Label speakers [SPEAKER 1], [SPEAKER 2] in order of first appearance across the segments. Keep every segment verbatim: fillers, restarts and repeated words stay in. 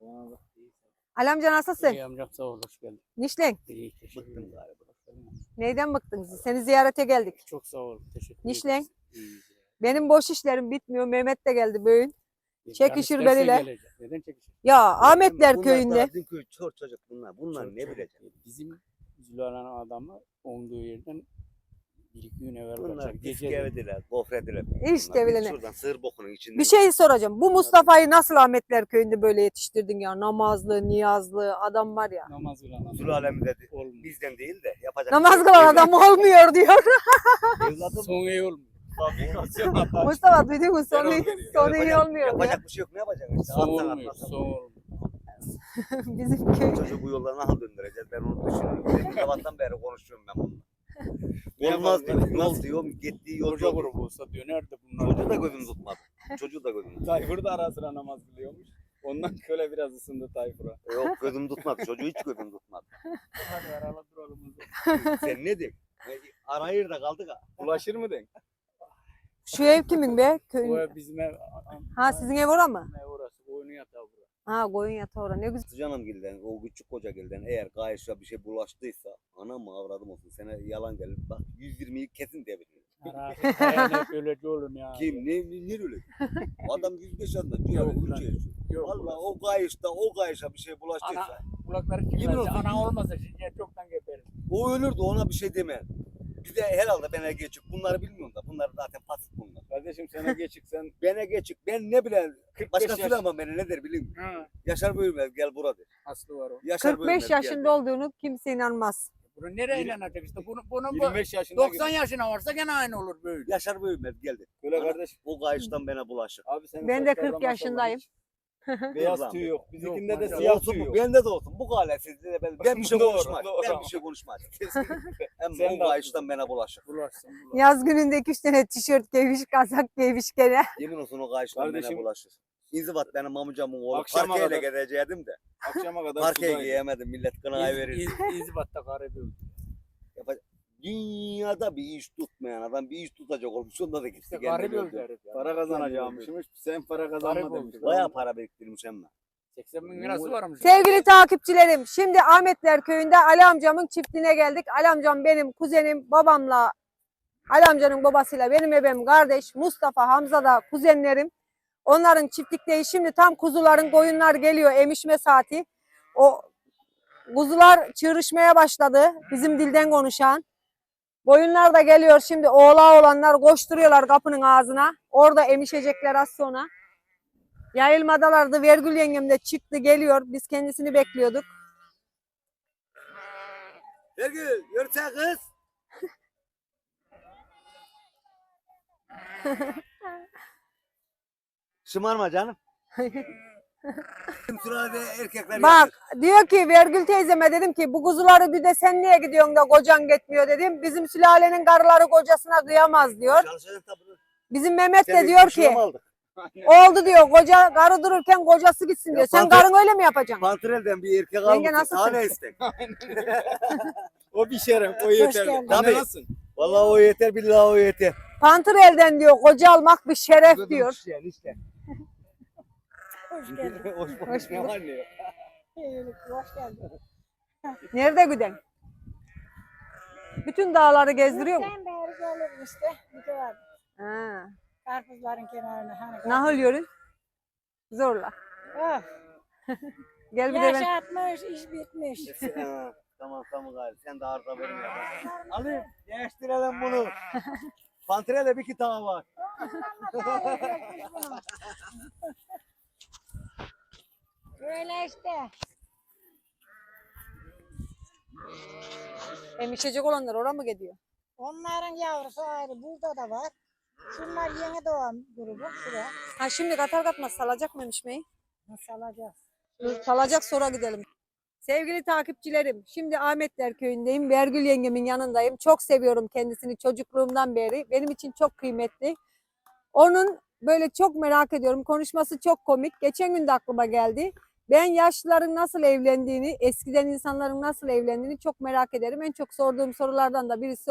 [SPEAKER 1] Ali amca nasılsın?
[SPEAKER 2] İyi amcam sağ ol, hoş geldin.
[SPEAKER 1] Nişlen.
[SPEAKER 2] İyi, teşekkür ederim. Galiba.
[SPEAKER 1] Neyden bıktınız? Seni ziyarete geldik.
[SPEAKER 2] Çok sağ ol, teşekkür ederim.
[SPEAKER 1] Nişlen.
[SPEAKER 2] İyiyiz ya.
[SPEAKER 1] Benim boş işlerim bitmiyor. Mehmet de geldi bugün.
[SPEAKER 2] Yani
[SPEAKER 1] Çekişir
[SPEAKER 2] istersen
[SPEAKER 1] benimle.
[SPEAKER 2] gelecek. Neden çekişir?
[SPEAKER 1] Ya Ahmetler
[SPEAKER 3] Bunlar
[SPEAKER 1] köyünde.
[SPEAKER 3] daha Dün köy çor çocuk bunlar. Bunlar
[SPEAKER 2] Çok-
[SPEAKER 3] ne
[SPEAKER 2] çok-
[SPEAKER 3] bilecek?
[SPEAKER 2] Bizim Zülala'nın adamı olduğu yerden bir iki gün evvel
[SPEAKER 3] Bunlar
[SPEAKER 2] kaçar. Gece
[SPEAKER 3] diskevediler, gofrediler.
[SPEAKER 1] İşte
[SPEAKER 3] Bunlar. Biz
[SPEAKER 1] bilene.
[SPEAKER 3] Şuradan sığır bokunun içinden.
[SPEAKER 1] Bir şey soracağım. Bu Mustafa'yı nasıl Ahmetler köyünde böyle yetiştirdin ya? Namazlı, niyazlı adam var ya.
[SPEAKER 2] namaz kılan
[SPEAKER 3] Zul alemi dedi.
[SPEAKER 2] olmuyor.
[SPEAKER 3] Bizden değil de yapacak.
[SPEAKER 1] Namaz
[SPEAKER 3] bir şey
[SPEAKER 1] kılan
[SPEAKER 3] yok.
[SPEAKER 1] adam olmuyor diyor.
[SPEAKER 3] Evladım
[SPEAKER 2] Son iyi olmuyor. Fabrikasyon hata.
[SPEAKER 1] Mustafa duydun mu? Sonu,
[SPEAKER 2] olmuyor.
[SPEAKER 1] sonu iyi
[SPEAKER 3] yapacak-
[SPEAKER 1] olmuyor diyor.
[SPEAKER 3] Yapacak bir şey yok. Ne yapacak işte?
[SPEAKER 2] Son
[SPEAKER 3] Atsan
[SPEAKER 2] olmuyor.
[SPEAKER 3] atmasan.
[SPEAKER 2] Son olmuyor.
[SPEAKER 1] Bizim köy.
[SPEAKER 3] Çocuğu bu yollara nasıl döndüreceğiz? Ben onu düşünüyorum. Demin sabahtan beri konuşuyorum ben bununla.
[SPEAKER 2] Ne
[SPEAKER 3] Olmaz
[SPEAKER 2] yapalım?
[SPEAKER 3] diyor. Yol diyor. Gittiği yol
[SPEAKER 2] Koca
[SPEAKER 3] yol.
[SPEAKER 2] grubu olsa dönerdi bunlar.
[SPEAKER 3] Çocuğu da gözüm tutmadı. Çocuğu da gözüm tutmadı.
[SPEAKER 2] Tayfur da ara sıra namaz kılıyormuş. Ondan köle biraz ısındı Tayfur'a.
[SPEAKER 3] Yok gözüm tutmadı. Çocuğu hiç gözüm tutmadı.
[SPEAKER 2] Hadi arala duralım.
[SPEAKER 3] Sen ne diyorsun? Arayır da kaldık ha.
[SPEAKER 2] Ulaşır mı den?
[SPEAKER 1] Şu ev kimin be? Köyün.
[SPEAKER 2] O ev bizim ev.
[SPEAKER 1] Ha sizin ev ora mı?
[SPEAKER 2] Ne orası? Oyunu yatağı burası.
[SPEAKER 1] Ha koyun yatağı ora. Ne güzel.
[SPEAKER 3] Canım gilden, o küçük koca gilden eğer gayışa bir şey bulaştıysa anam mı avradım olsun sana yalan gelir. Bak yüz yirmiyi kesin diyebilirim.
[SPEAKER 2] Yani böylece olur ya.
[SPEAKER 3] Kim ne ne, ne öyle? Adam yüz beş yaşında
[SPEAKER 2] Yok
[SPEAKER 3] diyor
[SPEAKER 2] lan.
[SPEAKER 3] üç yaşında.
[SPEAKER 2] Yok.
[SPEAKER 3] Valla o gayışta o gayışa bir şey bulaştıysa
[SPEAKER 2] Ana, kulakları
[SPEAKER 3] Yemin
[SPEAKER 2] çıkmaz.
[SPEAKER 3] olsun.
[SPEAKER 2] Ana olmasa şimdi çoktan geberim.
[SPEAKER 3] o ölürdü ona bir şey deme. Bir de herhalde bana geçik. Bunları bilmiyorum da. Bunlar zaten pasif bunlar.
[SPEAKER 2] Kardeşim sana geçik sen.
[SPEAKER 3] Bana geçik. Ben ne bileyim.
[SPEAKER 2] kırk beş
[SPEAKER 3] Başka
[SPEAKER 2] yaş.
[SPEAKER 3] söyle ama beni ne der bileyim.
[SPEAKER 2] Ha,
[SPEAKER 3] Yaşar Bölmez gel burada.
[SPEAKER 2] aslı var o.
[SPEAKER 3] Yaşar
[SPEAKER 1] kırk beş
[SPEAKER 3] Bölmez, gel
[SPEAKER 1] yaşında
[SPEAKER 3] de.
[SPEAKER 1] olduğunu kimse inanmaz.
[SPEAKER 2] Bunu nereye
[SPEAKER 4] Yirmi-
[SPEAKER 2] inanacak işte? Bunu, bunun bu
[SPEAKER 4] yirmi beş yaşında
[SPEAKER 2] doksan yaşına varsa gene aynı olur böyle.
[SPEAKER 3] Yaşar Bölmez geldi.
[SPEAKER 4] Öyle
[SPEAKER 3] Ana,
[SPEAKER 4] kardeş.
[SPEAKER 3] O gayıştan bana bulaşır.
[SPEAKER 4] Abi senin
[SPEAKER 1] Ben de
[SPEAKER 4] saçlardan
[SPEAKER 1] kırk
[SPEAKER 4] maşallah
[SPEAKER 1] yaşındayım.
[SPEAKER 4] hiç Beyaz
[SPEAKER 3] Dur lan
[SPEAKER 4] tüy
[SPEAKER 3] be.
[SPEAKER 4] yok. Bizimkinde de
[SPEAKER 2] maşallah.
[SPEAKER 4] siyah
[SPEAKER 3] Olsun
[SPEAKER 4] tüy
[SPEAKER 3] mu?
[SPEAKER 4] yok.
[SPEAKER 3] Bende de olsun. Bu galesizliğe ben, ben bir şey
[SPEAKER 4] Doğru,
[SPEAKER 3] konuşmam.
[SPEAKER 4] doğru.
[SPEAKER 3] Ben bir şey konuşmam.
[SPEAKER 4] Kesinlikle.
[SPEAKER 3] Hem
[SPEAKER 4] Sen
[SPEAKER 3] o
[SPEAKER 4] de
[SPEAKER 3] gayıştan bana bulaşır.
[SPEAKER 2] Bularsın bularsın.
[SPEAKER 1] Yaz gününde iki üç tane tişört giymiş, kazak giymiş gene.
[SPEAKER 3] Yemin olsun o gayıştan bana
[SPEAKER 4] Kardeşim-
[SPEAKER 3] bulaşır. İnzibat benim amcamın oğlu.
[SPEAKER 4] Akşama
[SPEAKER 3] Parkeyle
[SPEAKER 4] kadar-
[SPEAKER 3] gezecektim de.
[SPEAKER 4] Akşama kadar
[SPEAKER 3] Parkeye
[SPEAKER 4] sudaydı.
[SPEAKER 3] giyemedim. Millet kınayı verir.
[SPEAKER 2] İz, iz, İzbat'ta garip öldü.
[SPEAKER 3] Dünyada bir iş tutmayan adam bir iş tutacak olmuş. Onda da gitti.
[SPEAKER 2] İşte
[SPEAKER 3] kendini
[SPEAKER 2] garip öldü
[SPEAKER 3] öldürdü.
[SPEAKER 2] herif ya.
[SPEAKER 4] Para kazanacağımışmış. Sen para
[SPEAKER 2] Garip
[SPEAKER 4] kazanma
[SPEAKER 2] oldu.
[SPEAKER 4] demiş.
[SPEAKER 3] Bayağı para biriktirmiş hem de.
[SPEAKER 2] seksen bin lirası varmış.
[SPEAKER 1] Sevgili takipçilerim, şimdi Ahmetler köyünde Ali amcamın çiftliğine geldik. Ali amcam benim kuzenim, babamla, Ali amcanın babasıyla benim ebem kardeş, Mustafa, Hamza da kuzenlerim. Onların çiftlikteyiz. Şimdi tam kuzuların, koyunlar geliyor, emişme saati. O kuzular çığırışmaya başladı, bizim dilden konuşan. Koyunlar da geliyor şimdi, oğlağı olanlar koşturuyorlar kapının ağzına. Orada emişecekler az sonra. Yayılmadalardı. Vergül yengem de çıktı geliyor. Biz kendisini bekliyorduk.
[SPEAKER 3] Ergül yürüse kız. Şımarma canım. Bizim sırada erkekler
[SPEAKER 1] Bak
[SPEAKER 3] yapıyor.
[SPEAKER 1] diyor ki Vergül teyzeme dedim ki bu kuzuları bir de sen niye gidiyorsun da kocan gitmiyor dedim. Bizim sülalenin karıları kocasına kıyamaz diyor.
[SPEAKER 3] Çalışacaksın tabii.
[SPEAKER 1] Bizim Mehmet
[SPEAKER 3] Sen
[SPEAKER 1] de
[SPEAKER 3] bir
[SPEAKER 1] diyor
[SPEAKER 3] kuşuna
[SPEAKER 1] ki
[SPEAKER 3] mı aldık?
[SPEAKER 1] oldu diyor koca karı dururken kocası gitsin
[SPEAKER 3] Ya
[SPEAKER 1] diyor. Sen
[SPEAKER 3] pantol-
[SPEAKER 1] karın öyle mi yapacaksın?
[SPEAKER 3] Pantrelden bir erkek
[SPEAKER 1] Yenge
[SPEAKER 3] almışsın.
[SPEAKER 1] nasılsın?
[SPEAKER 3] Daha ne istek?
[SPEAKER 4] O bir şeref. O yeter.
[SPEAKER 1] geldin.
[SPEAKER 4] Anne
[SPEAKER 3] Tabii.
[SPEAKER 4] nasılsın?
[SPEAKER 3] Vallahi o yeter billahi o yeter.
[SPEAKER 1] Pantır elden diyor koca almak bir şeref diyor.
[SPEAKER 3] İşte, işte.
[SPEAKER 1] Hoş geldin.
[SPEAKER 3] Hoş
[SPEAKER 1] Hoş
[SPEAKER 3] bulduk. Ne
[SPEAKER 1] bulduk.
[SPEAKER 3] var ne yok?
[SPEAKER 1] Hoş geldin. Nerede güden? Bütün dağları gezdiriyor mu?
[SPEAKER 5] Sen beri gelirim işte. Bir de var.
[SPEAKER 1] Ha.
[SPEAKER 5] Karpuzların kenarına. Hani
[SPEAKER 1] Nahıl yürün. Zorla.
[SPEAKER 5] Oh,
[SPEAKER 1] Gel bir de
[SPEAKER 5] yaş
[SPEAKER 1] ben.
[SPEAKER 5] atmış, iş bitmiş.
[SPEAKER 3] Ha, tamam tamam gari. Sen de arıza verme. Alayım. Değiştirelim bunu. Pantrel'de bir iki tane var.
[SPEAKER 5] Böyle işte.
[SPEAKER 1] Emişecek olanlar oraya mı gidiyor?
[SPEAKER 5] Onların yavrusu ayrı. Burada da var. Şunlar yeni doğan grubu. Şuraya.
[SPEAKER 1] Ha şimdi katar katmaz salacak mı emişmeyi?
[SPEAKER 5] Nasıl alacağız?
[SPEAKER 1] Dur, salacak sonra gidelim. Sevgili takipçilerim, şimdi Ahmetler köyündeyim. Vergül yengemin yanındayım. Çok seviyorum kendisini çocukluğumdan beri. Benim için çok kıymetli. Onun böyle çok merak ediyorum. Konuşması çok komik. Geçen gün de aklıma geldi. Ben yaşlıların nasıl evlendiğini, eskiden insanların nasıl evlendiğini çok merak ederim. En çok sorduğum sorulardan da birisi o.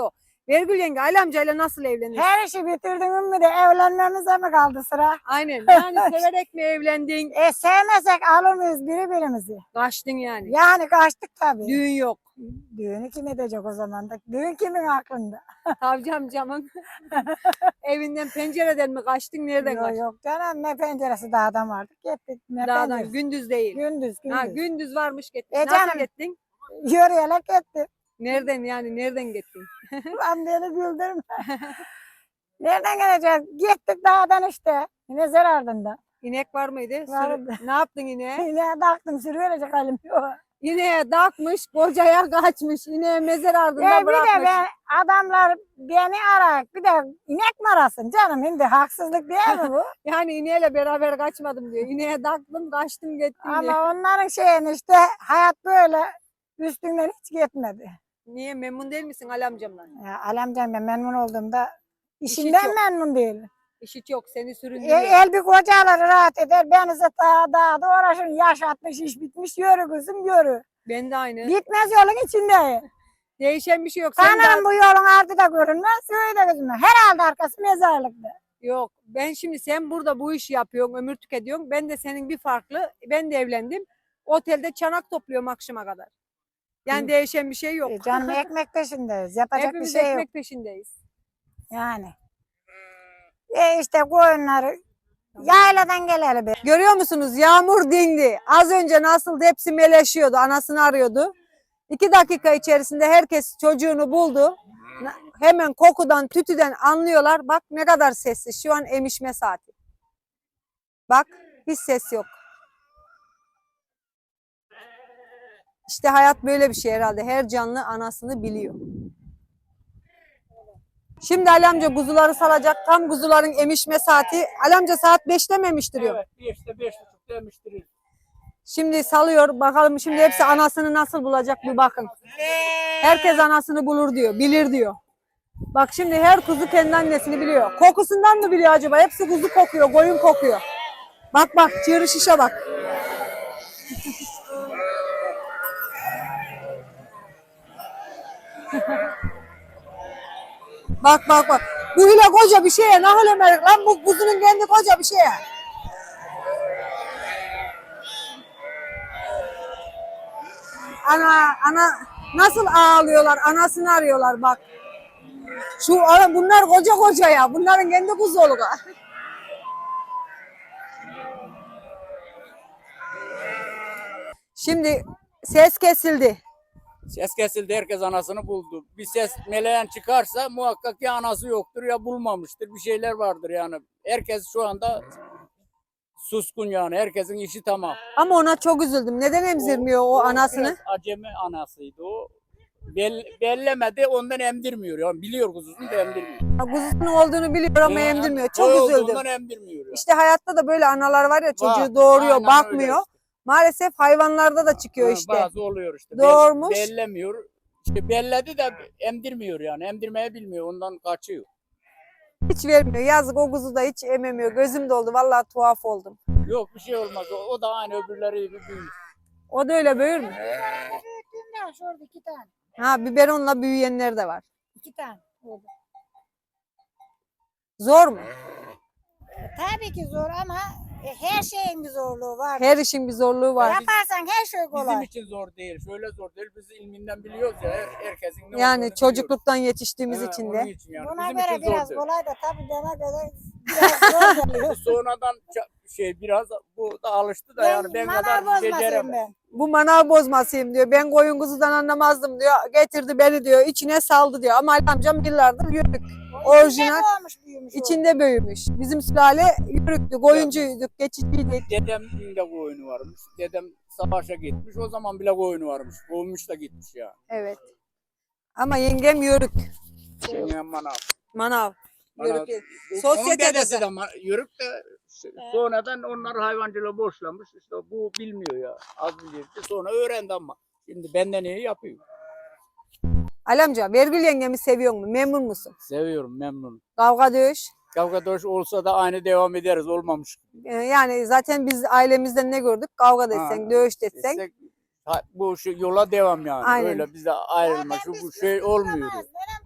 [SPEAKER 1] Vergül yenge Ali amcayla nasıl evlendin?
[SPEAKER 5] Her işi bitirdin mi de evlenmemize mi kaldı sıra?
[SPEAKER 1] Aynen. Yani severek mi evlendin?
[SPEAKER 5] E sevmesek alır mıyız birbirimizi?
[SPEAKER 1] Kaçtın yani.
[SPEAKER 5] Yani kaçtık tabii.
[SPEAKER 1] Düğün yok.
[SPEAKER 5] Düğünü kim edecek o zaman da? Düğün kimin aklında?
[SPEAKER 1] Savcı amcamın evinden pencereden mi kaçtın? Nereden
[SPEAKER 5] Yok
[SPEAKER 1] kaçtın?
[SPEAKER 5] yok canım ne penceresi dağdan vardık gittik. Ne
[SPEAKER 1] Dağdan.
[SPEAKER 5] penceresi?
[SPEAKER 1] Gündüz değil.
[SPEAKER 5] Gündüz gündüz.
[SPEAKER 1] Ha, gündüz varmış gittin.
[SPEAKER 5] E
[SPEAKER 1] Nasıl
[SPEAKER 5] canım.
[SPEAKER 1] gittin?
[SPEAKER 5] Yürüyerek gittik.
[SPEAKER 1] Nereden yani? Nereden gittin?
[SPEAKER 5] Lan beni güldürme. Nereden geleceğiz? Gittik dağdan işte. Yine zar ardında.
[SPEAKER 1] İnek var mıydı? Sürü-
[SPEAKER 5] Vardı.
[SPEAKER 1] Ne yaptın ineğe?
[SPEAKER 5] Yine baktım sürüyecek halim yok.
[SPEAKER 1] İneğe takmış, kocaya kaçmış. İneğe mezar ardında
[SPEAKER 5] E bir de
[SPEAKER 1] bırakmış.
[SPEAKER 5] ben, adamlar beni arar. Bir de inek mi arasın canım? Şimdi haksızlık değil mi bu?
[SPEAKER 1] Yani ineğiyle beraber kaçmadım diyor. İneğe taktım, kaçtım, gittim diyor.
[SPEAKER 5] Ama onların şeyini işte hayat böyle üstünden hiç gitmedi.
[SPEAKER 1] Niye? Memnun değil misin Ali amcamdan?
[SPEAKER 5] Ya alemcan ben memnun olduğumda işimden
[SPEAKER 1] çok.
[SPEAKER 5] memnun değilim.
[SPEAKER 1] İşi çok, seni
[SPEAKER 5] E,
[SPEAKER 1] süründürüyor.
[SPEAKER 5] el bir kocaları rahat eder. Beni ise daha dağda uğraşın. Yaş atmış, iş bitmiş. Yürü kızım yürü.
[SPEAKER 1] Ben de aynı.
[SPEAKER 5] Gitmez yolun içinde.
[SPEAKER 1] Değişen bir şey yok. Sen
[SPEAKER 5] Sanırım
[SPEAKER 1] de...
[SPEAKER 5] bu yolun ardı da görünmez. Söyle de kızım. Herhalde arkası mezarlıkta.
[SPEAKER 1] Yok. Ben şimdi sen burada bu işi yapıyorsun, ömür tüketiyorsun. Ben de senin bir farklı. Ben de evlendim. Otelde çanak topluyorum akşama kadar. Yani
[SPEAKER 5] Hı.
[SPEAKER 1] değişen bir şey yok.
[SPEAKER 5] E, canım ekmek peşindeyiz. Yapacak
[SPEAKER 1] Hepimiz
[SPEAKER 5] bir şey
[SPEAKER 1] ekmek
[SPEAKER 5] yok.
[SPEAKER 1] peşindeyiz.
[SPEAKER 5] Yani. E işte koyunları yayladan geleli be.
[SPEAKER 1] Görüyor musunuz? Yağmur dindi. Az önce nasıl hepsi meleşiyordu. Anasını arıyordu. İki dakika içerisinde herkes çocuğunu buldu. Na- Hemen kokudan, tütüden anlıyorlar. Bak ne kadar sessiz. Şu an emişme saati. Bak hiç ses yok. İşte hayat böyle bir şey herhalde. Her canlı anasını biliyor. Şimdi Ali amca kuzuları salacak. Tam kuzuların emişme saati. Ali amca saat beşte mi emiştiriyor?
[SPEAKER 2] Evet, beşte beş buçuk demiştir.
[SPEAKER 1] Şimdi salıyor. Bakalım şimdi hepsi anasını nasıl bulacak bir bakın. Herkes anasını bulur diyor. Bilir diyor. Bak şimdi her kuzu kendi annesini biliyor. Kokusundan mı biliyor acaba? Hepsi kuzu kokuyor. Koyun kokuyor. Bak bak çığırı şişe bak. Bak bak bak. Bu hile koca bir şeye. Nahıl emerik lan bu kuzunun kendi koca bir şeye. Ana ana nasıl ağlıyorlar? Anasını arıyorlar bak. Şu bunlar koca koca ya. Bunların kendi kuzu oluyor. Şimdi ses kesildi.
[SPEAKER 2] Ses kesildi, herkes anasını buldu. Bir ses meleğen çıkarsa muhakkak ya anası yoktur ya bulmamıştır. Bir şeyler vardır yani. Herkes şu anda suskun yani. Herkesin işi tamam.
[SPEAKER 1] Ama ona çok üzüldüm. Neden emzirmiyor o anasını?
[SPEAKER 2] Biraz acemi anasıydı o. Bel, bellemedi ondan emdirmiyor. Yani biliyor kuzusunu da emdirmiyor.
[SPEAKER 1] Kuzusunun olduğunu biliyor ama
[SPEAKER 2] Yani
[SPEAKER 1] emdirmiyor.
[SPEAKER 2] boy
[SPEAKER 1] Çok üzüldüm.
[SPEAKER 2] olduğundan emdirmiyor. Yani.
[SPEAKER 1] İşte hayatta da böyle analar var ya çocuğu
[SPEAKER 2] Var,
[SPEAKER 1] doğuruyor,
[SPEAKER 2] aynen
[SPEAKER 1] bakmıyor.
[SPEAKER 2] öyle işte.
[SPEAKER 1] Maalesef hayvanlarda da çıkıyor
[SPEAKER 2] Ha,
[SPEAKER 1] işte.
[SPEAKER 2] Bazı oluyor işte.
[SPEAKER 1] Doğurmuş.
[SPEAKER 2] Bel- bellemiyor. İşte belledi de emdirmiyor yani. Emdirmeyi bilmiyor. Ondan kaçıyor.
[SPEAKER 1] Hiç vermiyor. Yazık o kuzu da hiç ememiyor. Gözüm doldu. Vallahi tuhaf oldum.
[SPEAKER 2] Yok bir şey olmaz. O, o da aynı öbürleri gibi büyür.
[SPEAKER 1] O da öyle büyür mü?
[SPEAKER 5] Büyüttüm ya şurada iki tane.
[SPEAKER 1] Ha biberonla büyüyenler de var.
[SPEAKER 5] İki tane. Oldu.
[SPEAKER 1] Zor mu?
[SPEAKER 5] Tabii ki zor ama e, her şeyin bir zorluğu var.
[SPEAKER 1] Her işin bir zorluğu var.
[SPEAKER 5] Yaparsan her şey
[SPEAKER 2] Bizim
[SPEAKER 5] kolay.
[SPEAKER 2] için zor değil. Şöyle zor değil. Biz ilminden biliyoruz ya. Her, herkesin ne
[SPEAKER 1] Yani
[SPEAKER 2] olduğunu
[SPEAKER 1] çocukluktan yetiştiğimiz
[SPEAKER 2] biliyoruz.
[SPEAKER 1] için
[SPEAKER 2] Ha,
[SPEAKER 1] de.
[SPEAKER 2] onun için yani.
[SPEAKER 5] Buna
[SPEAKER 2] Bizim
[SPEAKER 5] göre
[SPEAKER 2] için zor
[SPEAKER 5] biraz
[SPEAKER 2] değil.
[SPEAKER 5] kolay da tabii bana göre biraz zor geliyor.
[SPEAKER 2] Sonradan ça- şey biraz bu da alıştı da yani ben
[SPEAKER 5] manav
[SPEAKER 2] kadar
[SPEAKER 5] bozmasıyım
[SPEAKER 2] beceremem.
[SPEAKER 5] ben.
[SPEAKER 1] Bu manav bozmasıyım diyor. Ben koyun kuzudan anlamazdım diyor. Getirdi beni diyor. İçine saldı diyor. Ama Ali amcam yıllardır yörük. Orijinal.
[SPEAKER 5] İçinde doğmuş büyümüş o.
[SPEAKER 1] İçinde büyümüş. Bizim sülale yörüktü. Koyuncuyduk. Geçiciydik.
[SPEAKER 2] Dedemin de koyunu varmış. Dedem savaşa gitmiş. O zaman bile koyunu varmış. Kovmuş da gitmiş ya.
[SPEAKER 1] Evet. Ama yengem yörük.
[SPEAKER 2] Şey, manav.
[SPEAKER 1] Manav.
[SPEAKER 2] Manav.
[SPEAKER 1] Yörük. değil.
[SPEAKER 2] Onun
[SPEAKER 1] Sosyetede
[SPEAKER 2] dedesi
[SPEAKER 1] de.
[SPEAKER 2] de ma- yörük de sonradan onlar hayvancılığı boşlamış. İşte bu bilmiyor ya. Az bilirdi. Sonra öğrendi ama. Şimdi benden iyi yapıyor.
[SPEAKER 1] Ali amca Vergül yengemi seviyor mu? Memnun musun?
[SPEAKER 2] Seviyorum, memnunum.
[SPEAKER 1] Kavga dövüş.
[SPEAKER 2] Kavga dövüş olsa da aynı devam ederiz. Olmamış.
[SPEAKER 1] Ee, Yani zaten biz ailemizden ne gördük? Kavga detsen,
[SPEAKER 2] Ha,
[SPEAKER 1] dövüş detsen.
[SPEAKER 2] Desek, ha, bu şu yola devam yani.
[SPEAKER 1] Aynen.
[SPEAKER 2] Öyle bize ayrılma. Şu bu şey olmuyor.
[SPEAKER 5] Duramaz, neden duramaz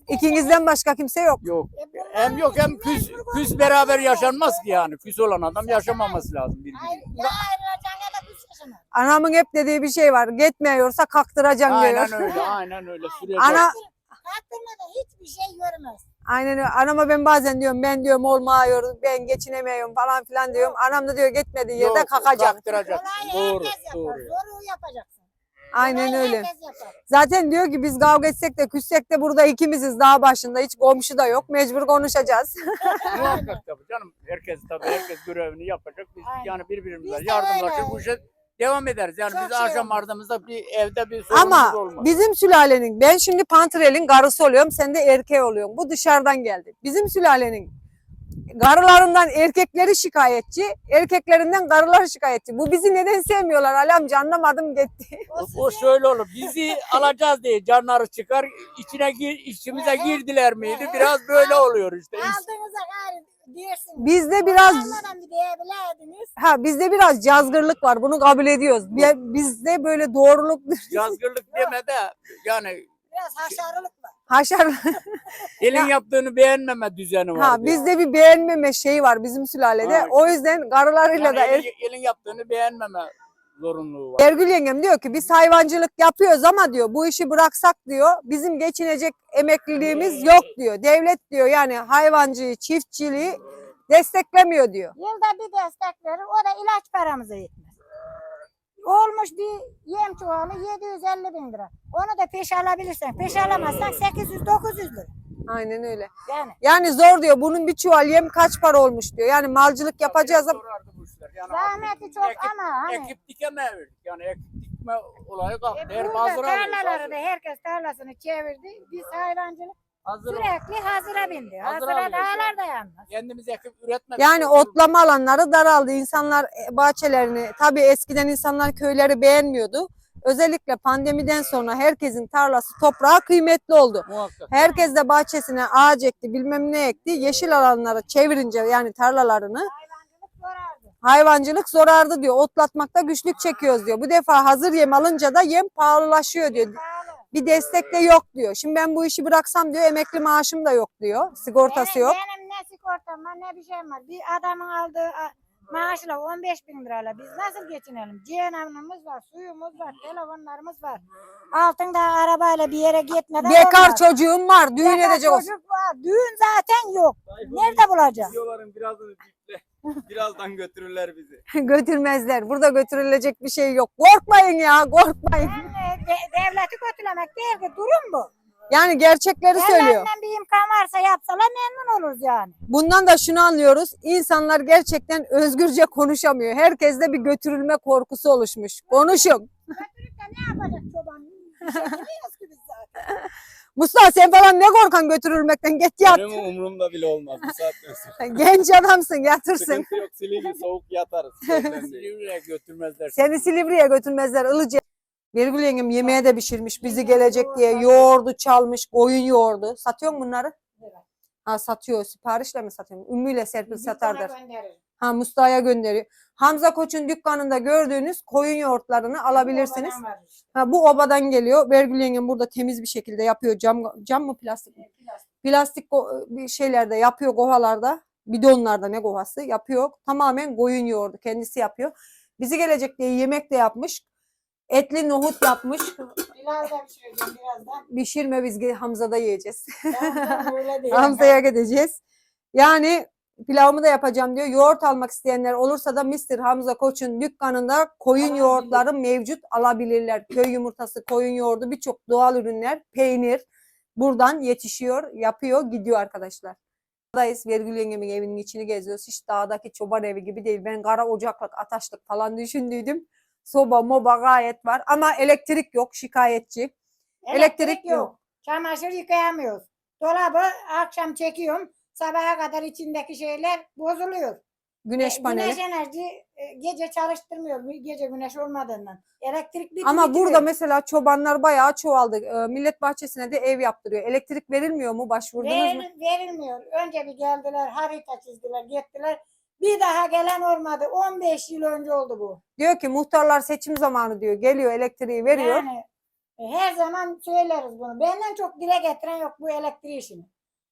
[SPEAKER 1] İkinizden başka kimse yok.
[SPEAKER 2] Yok.
[SPEAKER 5] E, bunlar
[SPEAKER 2] Hem yok hem küs,
[SPEAKER 5] mecbur
[SPEAKER 2] küs
[SPEAKER 5] olacak.
[SPEAKER 2] beraber yaşanmaz ki yani. Küs olan adam yaşamaması lazım
[SPEAKER 5] Hayır,
[SPEAKER 2] birbiriyle.
[SPEAKER 5] ya ayrılacak ya da küs yaşamak.
[SPEAKER 1] Anamın hep dediği bir şey var. Gitmiyorsa kaktıracaksın diyor.
[SPEAKER 2] Aynen öyle, aynen öyle. Sürecek.
[SPEAKER 1] Ana
[SPEAKER 5] Kaktırmadan hiçbir şey görmez.
[SPEAKER 1] aynen öyle. Anama ben bazen diyorum ben diyorum olmuyor, ben geçinemiyorum falan filan diyorum. Anam da diyor gitmediği yerde
[SPEAKER 2] Yok,
[SPEAKER 1] kakacaksın.
[SPEAKER 2] kaktıracaksın.
[SPEAKER 5] Kolayı
[SPEAKER 2] Doğru,
[SPEAKER 5] herkes yapar.
[SPEAKER 2] doğru.
[SPEAKER 5] Zoru yapacaksın.
[SPEAKER 1] Aynen
[SPEAKER 5] Kolayı
[SPEAKER 1] öyle.
[SPEAKER 5] herkes yapar.
[SPEAKER 1] Zaten diyor ki biz kavga etsek de küssek de burada ikimiziz dağ başında. Hiç komşu da yok. Mecbur konuşacağız.
[SPEAKER 2] Muhakkak tabii canım. Herkes tabii herkes görevini yapacak. Biz
[SPEAKER 5] Aynen.
[SPEAKER 2] yani birbirimize
[SPEAKER 5] Biz de
[SPEAKER 2] yardımlaşır
[SPEAKER 5] öyle.
[SPEAKER 2] bu işe devam ederiz. Yani
[SPEAKER 5] Çok
[SPEAKER 2] biz
[SPEAKER 5] şey
[SPEAKER 2] akşam
[SPEAKER 5] olmaz.
[SPEAKER 2] ardımızda bir evde bir sorunumuz
[SPEAKER 1] Ama
[SPEAKER 2] olmaz.
[SPEAKER 1] bizim sülalenin, ben şimdi Pantrel'in karısı oluyorum, sen de erkeği oluyorsun. Bu dışarıdan geldi. Bizim sülalenin karılarından erkekleri şikayetçi, erkeklerinden karılar şikayetçi. Bu bizi neden sevmiyorlar Ali amca anlamadım gitti.
[SPEAKER 2] O, o şöyle olur. Bizi alacağız diye canları çıkar. İçine gir, içimize
[SPEAKER 5] Evet.
[SPEAKER 2] girdiler miydi? Biraz böyle oluyor işte.
[SPEAKER 5] Aldığınıza gayrı diyorsunuz.
[SPEAKER 1] Bizde biraz
[SPEAKER 5] Almadan bir diyebilirdiniz.
[SPEAKER 1] ha bizde biraz cazgırlık var. Bunu kabul ediyoruz. Bi- Bizde böyle doğruluk
[SPEAKER 2] Yazgırlık deme de yani
[SPEAKER 5] Biraz haşarılık var.
[SPEAKER 1] haşar
[SPEAKER 2] elin yaptığını beğenmeme düzeni var.
[SPEAKER 1] ha bizde bir beğenmeme şeyi var bizim sülalede.
[SPEAKER 2] Ha,
[SPEAKER 1] O yüzden karılarıyla
[SPEAKER 2] yani
[SPEAKER 1] da er-
[SPEAKER 2] elin, elin yaptığını beğenmeme zorunluluğu var.
[SPEAKER 1] Ergül yengem diyor ki biz hayvancılık yapıyoruz ama diyor bu işi bıraksak diyor bizim geçinecek emekliliğimiz yok diyor. Devlet diyor yani hayvancıyı, çiftçiliği desteklemiyor diyor.
[SPEAKER 5] Yılda bir destek verir. O da ilaç paramıza yetmez. Olmuş bir yem çuvalı yedi yüz elli bin lira. Onu da peş alabilirsen. Peş alamazsan sekiz yüz dokuz yüz lira.
[SPEAKER 1] Aynen öyle.
[SPEAKER 5] Yani.
[SPEAKER 1] Yani zor diyor bunun bir çuval yem kaç para olmuş diyor. Yani malcılık yapacağız ama
[SPEAKER 2] Sorardı bu işler. Yani
[SPEAKER 5] Zahmeti çok
[SPEAKER 2] ekip,
[SPEAKER 5] ama hani.
[SPEAKER 2] ekip dikemeyebildik. Yani ekip dikme olayı kalktı.
[SPEAKER 5] E,
[SPEAKER 2] Her
[SPEAKER 5] burada
[SPEAKER 2] hazır alıyoruz.
[SPEAKER 5] tarlaları
[SPEAKER 2] Hazır,
[SPEAKER 5] da herkes tarlasını çevirdi. Biz hayvancılık
[SPEAKER 2] hazır
[SPEAKER 5] sürekli hazıra bindi.
[SPEAKER 2] Hazır
[SPEAKER 5] Hazıra
[SPEAKER 2] alıyoruz
[SPEAKER 5] dağlar
[SPEAKER 2] yani.
[SPEAKER 5] dayanmaz.
[SPEAKER 2] kendimiz ekip üretmedik.
[SPEAKER 1] yani otlama alanları daraldı. İnsanlar e, bahçelerini tabii eskiden insanlar köyleri beğenmiyordu. Özellikle pandemiden sonra herkesin tarlası toprağı kıymetli oldu.
[SPEAKER 2] Muhakkak.
[SPEAKER 1] Herkes de bahçesine ağaç ekti, bilmem ne ekti. Yeşil alanlara çevirince yani tarlalarını
[SPEAKER 5] Hayvancılık zorardı.
[SPEAKER 1] hayvancılık zorardı diyor. Otlatmakta güçlük çekiyoruz diyor. Bu defa hazır yem alınca da yem pahalılaşıyor diyor.
[SPEAKER 5] Pahalı.
[SPEAKER 1] Bir destek de yok diyor. Şimdi ben bu işi bıraksam diyor emekli maaşım da yok diyor. Sigortası
[SPEAKER 5] benim,
[SPEAKER 1] yok.
[SPEAKER 5] Benim ne sigortam var ne bir şeyim var. Bir adamın aldığı a, maaşla on beş bin lirayla biz nasıl geçinelim? Cihanımız var, suyumuz var, telefonlarımız var. Altında arabayla bir yere gitmeden
[SPEAKER 1] Bekar
[SPEAKER 5] olmaz.
[SPEAKER 1] çocuğum var. Düğün
[SPEAKER 5] Bekar
[SPEAKER 1] edecek olsun.
[SPEAKER 5] çocuk var. Düğün zaten yok. Nerede bulacağız?
[SPEAKER 4] Videoların birazını biple. Birazdan götürürler bizi.
[SPEAKER 1] Götürmezler. Burada götürülecek bir şey yok. Korkmayın ya korkmayın.
[SPEAKER 5] Yani de- devleti kötülemek değil ki durum bu.
[SPEAKER 1] Yani gerçekleri söylüyor.
[SPEAKER 5] Devletten bir imkan varsa yapsalar memnun oluruz yani.
[SPEAKER 1] Bundan da şunu anlıyoruz. İnsanlar gerçekten özgürce konuşamıyor. Herkeste bir götürülme korkusu oluşmuş. Konuşun.
[SPEAKER 5] Götürüp de ne yapacak çoban? Bir şey bilmiyoruz ki biz zaten.
[SPEAKER 1] Mustafa sen falan ne korkan götürülmekten? Git yat.
[SPEAKER 4] Benim umurumda bile olmaz bu saatten sonra.
[SPEAKER 1] Genç adamsın yatırsın.
[SPEAKER 4] Sıkıntı yok, Silivri soğuk yatarız. Problem değil.
[SPEAKER 2] Silivri'ye götürmezler.
[SPEAKER 1] Seni Silivri'ye götürmezler Ilıca. Birgül yengem yemeğe de pişirmiş bizi gelecek diye. Yoğurdu çalmış, koyun yoğurdu. Satıyor mu bunları? Ha satıyor. Siparişle mi satıyor? Ümmü ile Serpil satardır. Ha Mustafa'ya gönderiyor. Hamza Koç'un dükkanında gördüğünüz koyun yoğurtlarını alabilirsiniz. Ha, bu obadan geliyor. Birgül yengem burada temiz bir şekilde yapıyor. Cam cam mı plastik mi? Plastik ko- bir şeylerde yapıyor kovalarda. Bidonlarda ne kovası yapıyor. Tamamen koyun yoğurdu. Kendisi yapıyor. Bizi gelecek diye yemek de yapmış. Etli nohut yapmış.
[SPEAKER 5] Biraz da pişireceğim birazdan.
[SPEAKER 1] Pişirme biz ge- Hamza'da yiyeceğiz.
[SPEAKER 5] Ben öyle değil.
[SPEAKER 1] Hamza'ya gideceğiz. Yani pilavımı da yapacağım diyor. Yoğurt almak isteyenler olursa da mister Hamza Koç'un dükkanında koyun
[SPEAKER 5] Alabilir.
[SPEAKER 1] yoğurtları mevcut alabilirler. Köy yumurtası, koyun yoğurdu birçok doğal ürünler, peynir buradan yetişiyor, yapıyor, gidiyor arkadaşlar. Buradayız. Vergül yengemin evinin içini geziyoruz. Hiç dağdaki çoban evi gibi değil. Ben kara ocaklık, ataşlık falan düşündüydüm. Soba, moba gayet var ama elektrik yok, şikayetçi. Elektrik yok.
[SPEAKER 5] Çamaşır yıkayamıyoruz. Dolabı akşam çekiyorum. Sabaha kadar içindeki şeyler bozuluyor.
[SPEAKER 1] Güneş
[SPEAKER 5] E,
[SPEAKER 1] paneli.
[SPEAKER 5] Güneş enerji e, gece çalıştırmıyor. Gece güneş olmadığından. Elektrik bitti.
[SPEAKER 1] Ama
[SPEAKER 5] bitti
[SPEAKER 1] burada
[SPEAKER 5] diyor.
[SPEAKER 1] mesela çobanlar bayağı çoğaldı. Ee, millet bahçesine de ev yaptırıyor. Elektrik verilmiyor mu? Başvurdunuz mu?
[SPEAKER 5] Ver- verilmiyor. Önce bir geldiler, harita çizdiler, gittiler. Bir daha gelen olmadı. on beş yıl önce oldu bu.
[SPEAKER 1] Diyor ki muhtarlar seçim zamanı diyor. Geliyor elektriği veriyor.
[SPEAKER 5] Yani E, Her zaman söyleriz bunu. Benden çok dile getiren yok bu elektrik işini.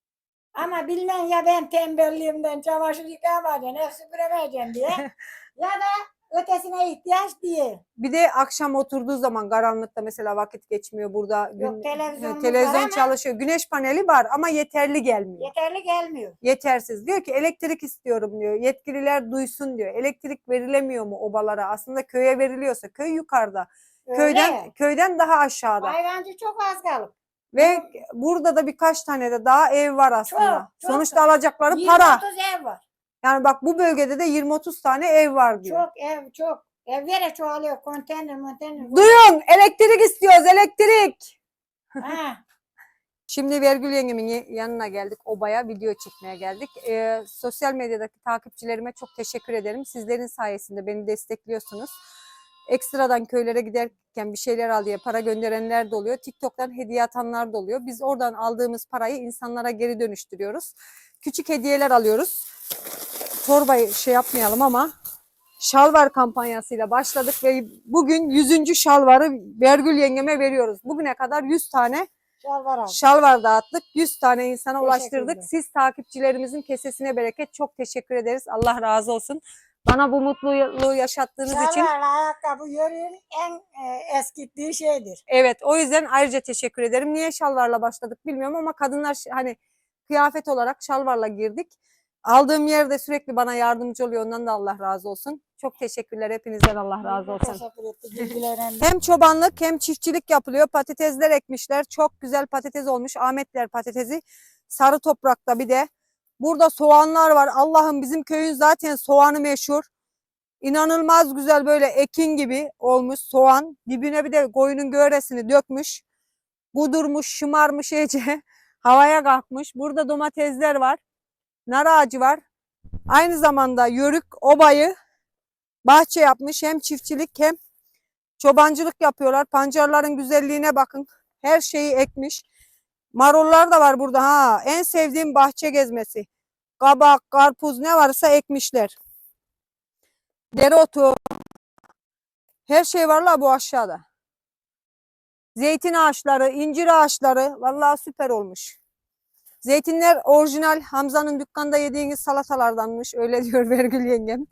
[SPEAKER 5] Ama bilmem ya ben tembelliğimden çamaşır yıkayamayacağım, ev süpüremeyeceğim diye. Ya da ötesine ihtiyaç diye.
[SPEAKER 1] Bir de akşam oturduğu zaman karanlıkta mesela vakit geçmiyor burada.
[SPEAKER 5] Yok, televizyonumuz
[SPEAKER 1] televizyon
[SPEAKER 5] var ama-
[SPEAKER 1] çalışıyor. Güneş paneli var ama yeterli gelmiyor.
[SPEAKER 5] Yeterli gelmiyor.
[SPEAKER 1] Yetersiz. Diyor ki elektrik istiyorum diyor. Yetkililer duysun diyor. Elektrik verilemiyor mu obalara? Aslında köye veriliyorsa köy yukarıda.
[SPEAKER 5] Öyle.
[SPEAKER 1] Köyden köyden daha aşağıda.
[SPEAKER 5] Hayvancı çok az kalıp.
[SPEAKER 1] Ve burada da birkaç tane de daha ev var aslında.
[SPEAKER 5] Çok, çok.
[SPEAKER 1] Sonuçta alacakları
[SPEAKER 5] yirmi
[SPEAKER 1] para.
[SPEAKER 5] otuz ev var.
[SPEAKER 1] Yani bak bu bölgede de yirmi otuz tane ev var diyor.
[SPEAKER 5] Çok ev çok. Evlere çoğalıyor. Konteyner monteyner.
[SPEAKER 1] Duyun, elektrik istiyoruz, elektrik.
[SPEAKER 5] Ha.
[SPEAKER 1] Şimdi Vergül yengemin ye- yanına geldik. Obaya video çekmeye geldik. Ee, sosyal medyadaki takipçilerime çok teşekkür ederim. Sizlerin sayesinde beni destekliyorsunuz. Ekstradan köylere giderken bir şeyler al diye para gönderenler de oluyor. TikTok'tan hediye atanlar da oluyor. Biz oradan aldığımız parayı insanlara geri dönüştürüyoruz. Küçük hediyeler alıyoruz. Torbayı şey yapmayalım ama şalvar kampanyasıyla başladık ve bugün yüzüncü şalvarı Vergül yengeme veriyoruz. Bugüne kadar yüz tane
[SPEAKER 5] Şalvar al.
[SPEAKER 1] şalvar dağıttık. yüz tane insana
[SPEAKER 5] Teşekkür
[SPEAKER 1] ulaştırdık.
[SPEAKER 5] ederim.
[SPEAKER 1] Siz takipçilerimizin kesesine bereket. Çok teşekkür ederiz. Allah razı olsun. Bana bu mutluluğu yaşattığınız için.
[SPEAKER 5] Şalvarla ayakkabı yörüğün en e, eskittiği şeydir.
[SPEAKER 1] Evet, o yüzden ayrıca teşekkür ederim. Niye şalvarla başladık bilmiyorum ama kadınlar ş- hani kıyafet olarak şalvarla girdik. Aldığım yerde sürekli bana yardımcı oluyor. Ondan da Allah razı olsun. Çok teşekkürler. Hepinizden Allah razı olsun.
[SPEAKER 5] Teşekkür ettik bilgilerine.
[SPEAKER 1] Hem çobanlık hem çiftçilik yapılıyor. Patatesler ekmişler. Çok güzel patates olmuş. Ahmetler patatesi. Sarı toprakta bir de. Burada soğanlar var. Allah'ım bizim köyün zaten soğanı meşhur. İnanılmaz güzel böyle ekin gibi olmuş soğan. Dibine bir de koyunun göğresini dökmüş. Kudurmuş, şımarmış iyice. Havaya kalkmış. Burada domatesler var. Nar ağacı var. Aynı zamanda yörük obayı bahçe yapmış. Hem çiftçilik hem çobancılık yapıyorlar. Pancarların güzelliğine bakın. Her şeyi ekmiş. Marullar da var burada ha. En sevdiğim bahçe gezmesi. Kabak, karpuz ne varsa ekmişler. Dereotu. Her şey var la bu aşağıda. Zeytin ağaçları, incir ağaçları. Vallahi süper olmuş. Zeytinler orijinal Hamza'nın dükkanda yediğiniz salatalardanmış. Öyle diyor Vergül yengem.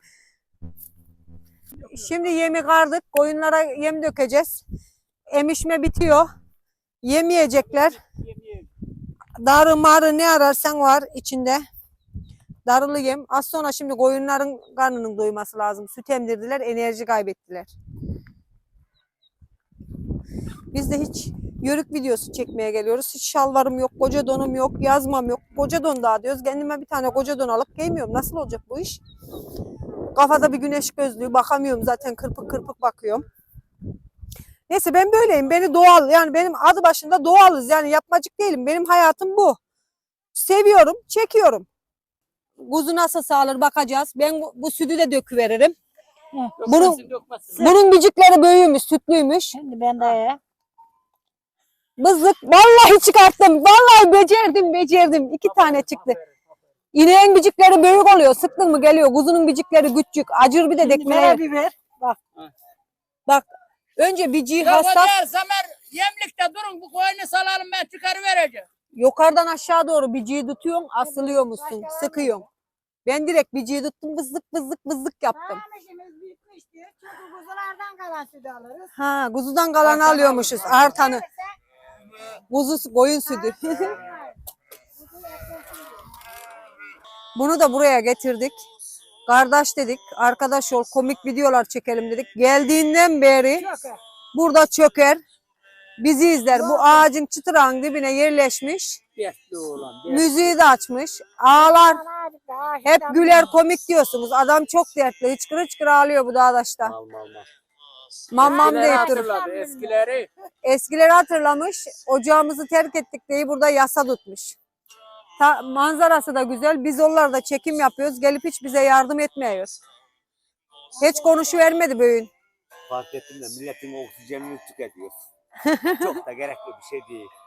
[SPEAKER 1] Şimdi yemi kardık. Koyunlara yem dökeceğiz. Emişme bitiyor. Yem yiyecekler. Darı marı ne ararsan var içinde. Darılı yem. Az sonra şimdi koyunların karnının doyması lazım. Süt emdirdiler, enerji kaybettiler. Biz de hiç yörük videosu çekmeye geliyoruz. Hiç şalvarım yok, koca donum yok, yazmam yok. Koca don daha diyoruz. Kendime bir tane koca don alıp giymiyorum. Nasıl olacak bu iş? Kafada bir güneş gözlüğü. Bakamıyorum zaten kırpık kırpık bakıyorum. Neyse ben böyleyim. Beni doğal yani benim adı başında doğalız. Yani yapmacık değilim. Benim hayatım bu. Seviyorum, çekiyorum. Kuzu nasıl sağlar bakacağız. Ben bu, bu sütü de döküveririm. Bunun, bunun bicikleri büyümüş, sütlüymüş.
[SPEAKER 5] Şimdi ben de
[SPEAKER 1] Bızlık vallahi çıkarttım. Vallahi becerdim, becerdim. İki tane çıktı. İneğin bicikleri büyük oluyor. Sıktın mı geliyor. Kuzunun bicikleri küçük. Acır bir de dekmeye.
[SPEAKER 5] biber. Bak.
[SPEAKER 1] Bak önce biciği
[SPEAKER 2] Yok o
[SPEAKER 1] hassas.
[SPEAKER 2] değil Samer. Yemlikte durun bu koyunu salalım ben çıkarıvereceğim.
[SPEAKER 1] Yukarıdan aşağı doğru biciği tutuyorsun. Asılıyor musun?
[SPEAKER 5] Başka var mı?
[SPEAKER 1] Sıkıyorsun. Ben direkt biciği tuttum. Bızlık bızlık bızlık yaptım.
[SPEAKER 5] Sağmışımız bitmiş diyor. Çünkü kuzulardan kalan sütü alırız.
[SPEAKER 1] Ha, kuzudan kalanı alıyormuşuz. Artanı. Kuzu koyun sütü. Bunu da buraya getirdik. Kardeş dedik. Arkadaş ol komik videolar çekelim dedik. Geldiğinden beri burada çöker. Bizi izler. Bu ağacın çıtırağın dibine yerleşmiş.
[SPEAKER 2] Dertli oğlan. dertli.
[SPEAKER 1] Müziği de açmış. Ağlar. Hep güler komik diyorsunuz. Adam çok dertli. Hıçkır hıçkır ağlıyor bu dağdaşta.
[SPEAKER 3] Mal mal mal.
[SPEAKER 1] Mamam
[SPEAKER 2] Eskileri
[SPEAKER 1] deyip durur.
[SPEAKER 2] hatırladı eskileri.
[SPEAKER 1] Eskileri hatırlamış. Ocağımızı terk ettik diye burada yasa tutmuş. Ta, manzarası da güzel. Biz onlarda çekim yapıyoruz. Gelip hiç bize yardım etmiyor. Hiç konuşuvermedi bugün.
[SPEAKER 3] Fark ettim de milletin oksijenini tüketiyor. Çok da gerekli bir şey değil.